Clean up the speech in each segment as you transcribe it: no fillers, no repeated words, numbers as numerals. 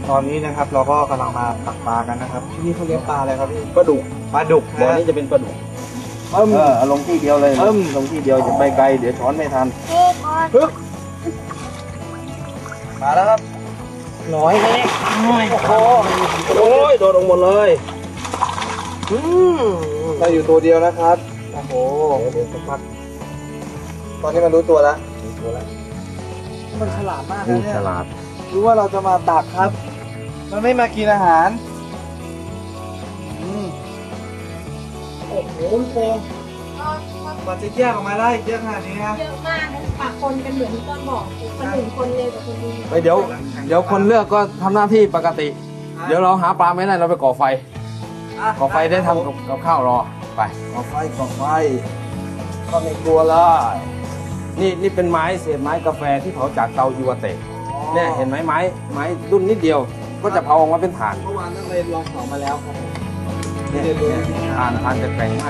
ตอนนี้นะครับเราก็กำลังมาตักปลากันนะครับที่นี่เขาเลี้ยงปลาอะไรครับพี่ปลาดุกบ่อนี้จะเป็นปลาดุกเอาลงที่เดียวเลยลงที่เดียวจะไปไกลเดี๋ยวช้อนไม่ทันปึ๊บมาแล้วครับน้อยเลยโอ้ยโดดลงหมดเลยเราอยู่ตัวเดียวนะครับโอ้โหเดี๋ยวสักพักตอนนี้มันรู้ตัวแล้วมันฉลาดมากนะเนี่ยฉลาดรู้ว่าเราจะมาตักครับมันไม่มากินอาหารโอ้โหโฟมกว่าจะแยกออกมาได้เยอะขนาดนี้นะเยอะมากนะปากคนกันเหมือนที่ต้นบอกคนหนึ่งคนเร็วกว่าคนดีเดี๋ยวคนเลือกก็ทำหน้าที่ปกติเดี๋ยวเราหาปลาไม่ได้เราไปก่อไฟได้ทำกับข้าวรอไปก่อไฟก็ไม่กลัวเลยนี่เป็นไม้เศษไม้กาแฟที่เผาจากเตายูวาเตะเนี่ยเห็นไหมไม้รุ่นนิดเดียวก็จะเผาออกมาเป็นถ่านเมื่อวานนั่นเลยลองเผามาแล้วครับเนี่ยถ่านจะแข็งมาก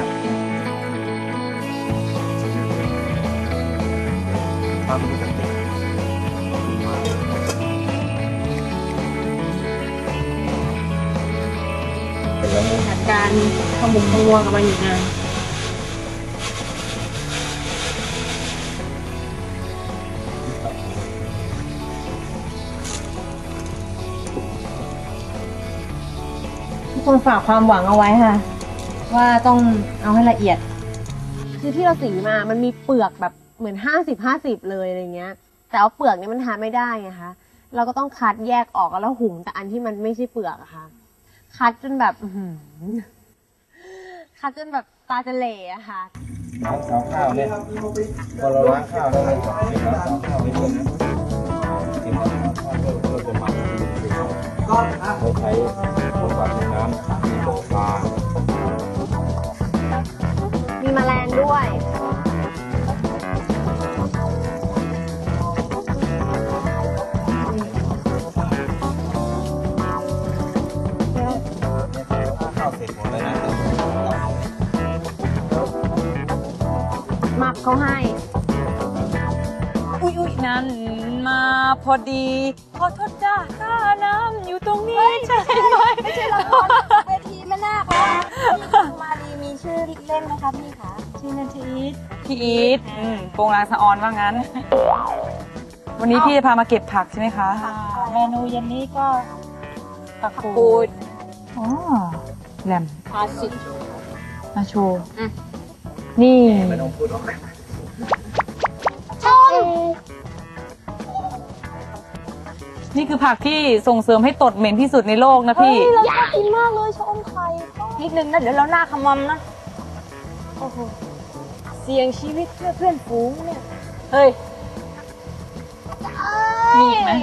จัดการขมุกขมัวกับมันอยู่นานทุกคนฝากความหวังเอาไว้ค่ะว่าต้องเอาให้ละเอียดคือที่เราสีมามันมีเปลือกแบบเหมือน50-50เลยอะไรเงี้ยแต่เอาเปลือกนี้มันทานไม่ได้ไงคะเราก็ต้องคัดแยกออกแล้วหุงแต่อันที่มันไม่ใช่เปลือกอะค่ะคัดจนแบบคัดจนแบบตาจะเหล่อะค่ะล้างข้าวเนี่ยพอเราล้างข้าวแล้วเราล้างข้าวไปด้วยนะกินข้าวเราจะหมักเราใช้ผงปลาน้ำมีบ่อปลามีแมลงด้วยหมักเขาให้อุ๊ยนั่นมาพอดีขอโทษจ้าค่าน้ำอยู่ตรงนี้ใช่ไหมไม่ใช่ละครเวทีแม่นาคมาดีมีชื่อเล่นไหมคะพี่คะชื่อนันทีพี่อีทโปรงลางสะออนว่างั้นวันนี้พี่จะพามาเก็บผักใช่ไหมคะเมนูเย็นนี้ก็ผักกูดอ๋อแหลมพาสิมาโชว์นี่นี่คือผักที่ส่งเสริมให้ตดเหม็นที่สุดในโลกนะพี่เราชอบกินมากเลยชะอมไข่นิดนึงนะเดี๋ยวเราหน้าขมำนะโอ้โหเสี่ยงชีวิตเพื่อเพื่อนฝูงเนี่ยเฮ้ยมีอีกไหม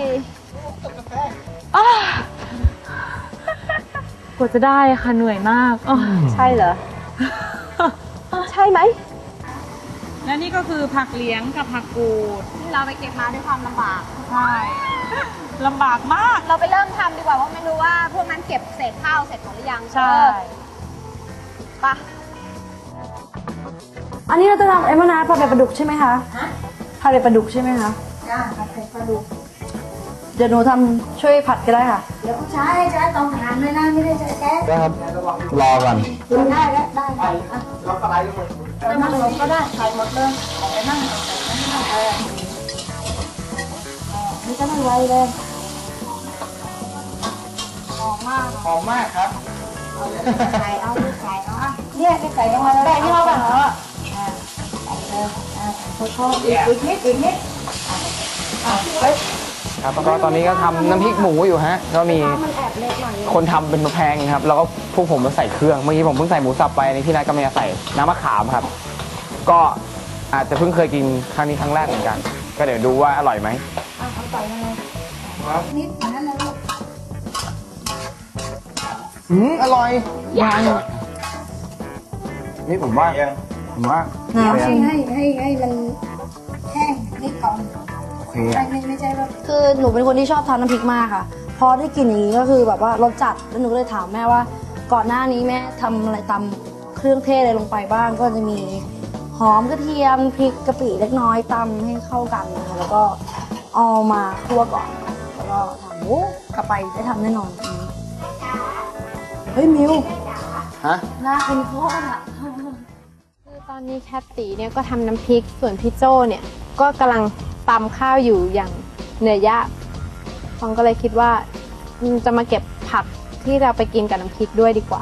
กว่าจะได้ค่ะเหนื่อยมากใช่เหรอใช่ไหมและนี่ก็คือผักเลี้ยงกับผักกูดที่เราไปเก็บมาด้วยความลำบากใช่ลำบากมากเราไปเริ่มทำดีกว่าเพราะไม่รู้ว่าพวกนั้นเก็บเศษข้าวเสร็จหมดหรือยังใช่ปะอันนี้เราจะทำมะนาวผัดเป็ดปลาดุกใช่ไหมคะผัดเป็ดปลาดุกใช่ไหมคะจ้าผัดเป็ดปลาดุกเดี๋ยวหนูทำช่วยผัดก็ได้ค่ะเดี๋ยวใช้ต้องทานเลยนะไม่ได้ใช้แก๊สได้ครับรอก่อนได้แล้วได้เราก็ไล่ลงไปนั่งลงก็ได้ใส่หมดเลยไปนั่งนี่ก็ไม่ไวเลยหอมมากครับใส่เอาเนี่ยใส่ลงมาเลยได้ที่เราแบบเหรอโทษอีกนิดครับแล้วก็ตอนนี้ก็ทำน้ำพริกหมูอยู่ฮะก็มีคนทำเป็นแพงครับแล้วก็พวกผมมาใส่เครื่องเมื่อกี้ผมเพิ่งใส่หมูสับไปในพี่นัทก็มาใส่น้ำมะขามครับก็อาจจะเพิ่งเคยกินครั้งนี้ครั้งแรกเหมือนกันก็เดี๋ยวดูว่าอร่อยไหมนิดนั้นนะลูกอร่อยยังนี่ผมว่าน้ำให้มันแห้งนิดก่อนไม่ใช่แบบคือหนูเป็นคนที่ชอบทานน้ำพริกมากค่ะพอได้กลิ่นอย่างนี้ก็คือแบบว่ารสจัดแล้วหนูก็เลยถามแม่ว่าก่อนหน้านี้แม่ทำอะไรตำเครื่องเทศอะไรลงไปบ้างก็จะมีหอมกระเทียมพริกกะปิเล็กน้อยตำให้เข้ากันนะคะแล้วก็เอามาคั่วก่อนแล้วก็ทำกลับไปได้ทำแน่นอนเฮ้ยมิวฮะหน้าเป็นโคตรอ่ะคือตอนนี้แคทตีเนี่ยก็ทำน้ำพริกส่วนพี่โจเนี่ยก็กำลังตำข้าวอยู่อย่างเหนื่อยยากฟองก็เลยคิดว่าจะมาเก็บผักที่เราไปกินกับน้ำพริกด้วยดีกว่า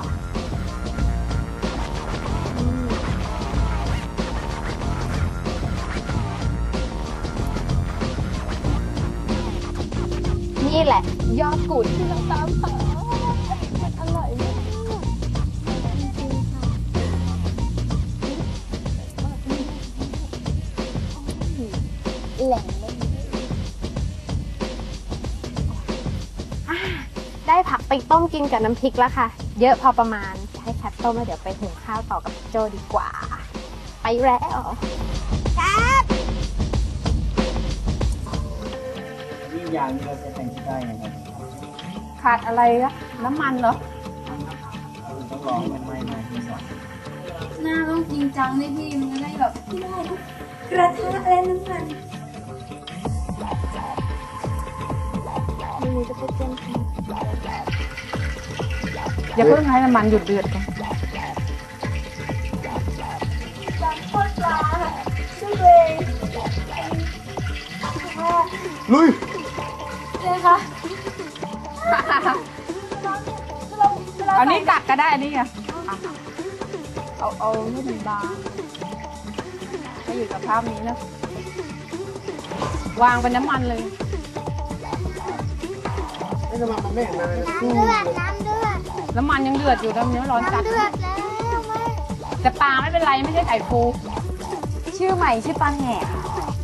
นี่แหละยอดกูดที่เราตามหามันอร่อยมากจริงๆค่ะแหล่งได้ผักไปต้มกินกับน้ำพริกแล้วค่ะ เยอะพอประมาณให้แคทต้มแล้วเดี๋ยวไปหุงข้าวต่อกับโจดีกว่า ไปแล้วแคทยิ่งยางนี้เราจะแต่งที่ได้นะครับขาดอะไรอะน้ำมันเหรอต้องรอให้มันไหม้มากที่สุดหน้าต้องจริงจังนี่พี่มันจะได้แบบกระทะและน้ำมันมันจะไปเต้นอย่าเพิ่งให้น้ำมันหยุดเดือดก่อนลุยเอานี้กัดก็ได้อันนี้อ่ะเอาให้มันบางให้อยู่กับภาพนี้นะวางเป็นน้ำมันเลยน้ำมันไม่เห็นเลยน้ำมันยังเดือดอยู่น้ำเนื้อร้อนจัดแต่ปลาไม่เป็นไรไม่ใช่ไข่ฟู ชื่อใหม่ชื่อปลาแหก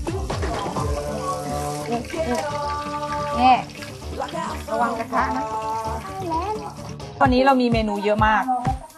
นี่ระวังกระทะนะวันนี้เรามีเมนูเยอะมาก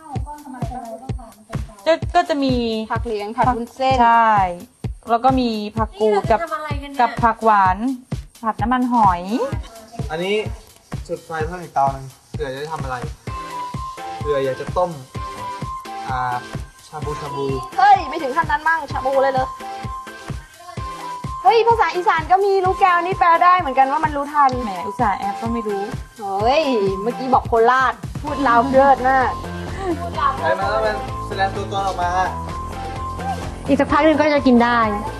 ก็จะมีผักเหลียงผัดวุ้นเส้นใช่ แล้วก็มีผักกูดกับผักหวานผัดน้ำมันหอยอันนี้จุดไฟเพิ่มอีกเตาหนึงเผื่อจะได้ทำอะไรเผื่ออยากจะต้มชาบูเฮ้ย ไม่ถึงขั้นนั้นมั่งชาบูเลยเลยเฮ้ย ภาษาอีสานก็มีรู้แก้วนี่แปลได้เหมือนกันว่ามันรู้ทันแหมอุตส่าห์แอปก็ไม่รู้เฮ้ย เมื่อกี้บอกโคราช พูดลาวเลิศมากใช้มาแล้วมันแสดงตัวตนออกมาอีกสักพักหนึ่งก็จะกินได้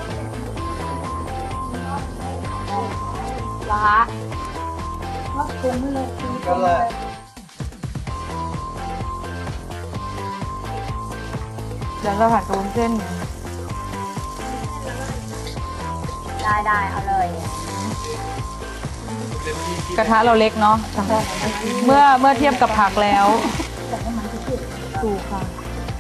ละก็เลยเดี๋ยวเราผัดกับวุ้นเส้นได้เอาเลยกระทะเราเล็กเนาะเมื่อเทียบกับผักแล้วถูกค่ะ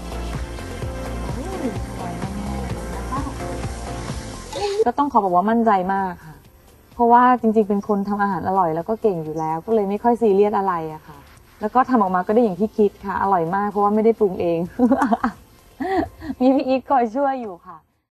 ก็ต้องขอบอกว่ามั่นใจมากค่ะ เพราะว่าจริงๆเป็นคนทำอาหารอร่อยแล้วก็เก่งอยู่แล้ว ก็เลยไม่ค่อยซีเรียสอะไรอะค่ะ แล้วก็ทำออกมาก็ได้อย่างที่คิดค่ะ อร่อยมากเพราะว่าไม่ได้ปรุงเอง มีพี่อีทคอยช่วยอยู่ค่ะ